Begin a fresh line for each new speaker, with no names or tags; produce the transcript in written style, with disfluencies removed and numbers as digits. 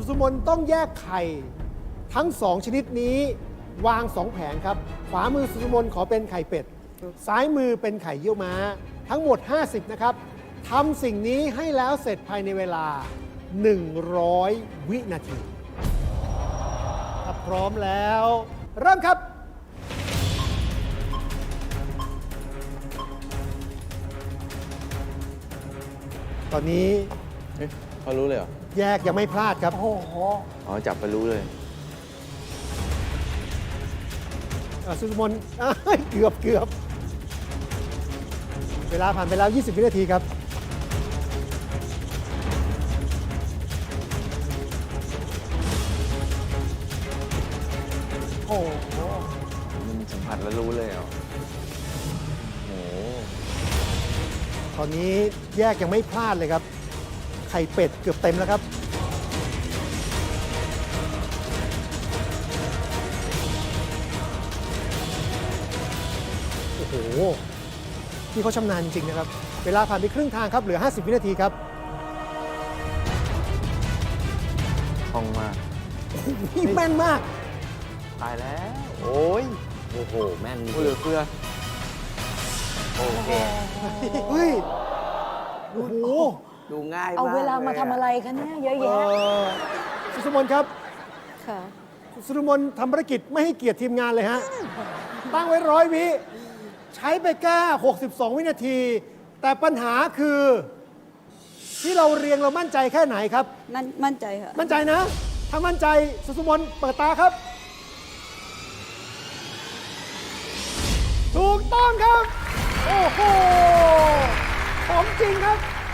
สุมนต้องแยกไข่ทั้ง 2 ชนิดนี้วาง 2 แผงครับ ขวามือสุสุมนขอเป็นไข่เป็ด ซ้ายมือเป็นไข่เยี่ยวม้า ทั้งหมด 50 นะครับทำสิ่งนี้ให้แล้วเสร็จภายในเวลา 100 วินาที ถ้าพร้อมแล้ว เริ่มครับ ตอนนี้
เฮ้ยเขารู้เลยเหรอ
แยกยังไม่พลาดครับ
โอ้โห
อ๋อ จับไปรู้เลย
สุสมนเกือบ เวลาผ่านไปแล้ว 20 วินาทีครับ
โอ้โห
มันสัมผัสแล้วรู้เลยเหรอโอ้โห
ตอนนี้แยกยังไม่พลาดเลยครับ ไข่เป็ดเกือบเต็มแล้วครับ โอ้โหที่เขาชำนาญจริงนะครับ เวลาผ่านไปครึ่งทางครับ เหลือ 50 วินาทีครับ
คล่องมาก
นี่แม่นมาก
ตายแล้ว โอ้ย
โอ้โห แม่น
เหลือเฟือ
โอเค
เฮ้ย โอ้โห
ดูง่ายมาก
เอาเวลามาทำอะไรคะเนี่ยเยอะแยะ
สุสมนครับ
ค่ะ
สุสมนทำภารกิจไม่ให้เกียรติทีมงานเลยฮะ ตั้งไว้100 วิ ใช้ไปแค่62 วินาที แต่ปัญหาคือ ที่เราเรียงเรามั่นใจแค่ไหนครับ
นั่นมั่นใจค่ะ
มั่นใจนะ ถ้ามั่นใจสุสมนเปิดตาครับ ถูกต้องครับ โอ้โหของจริงครับ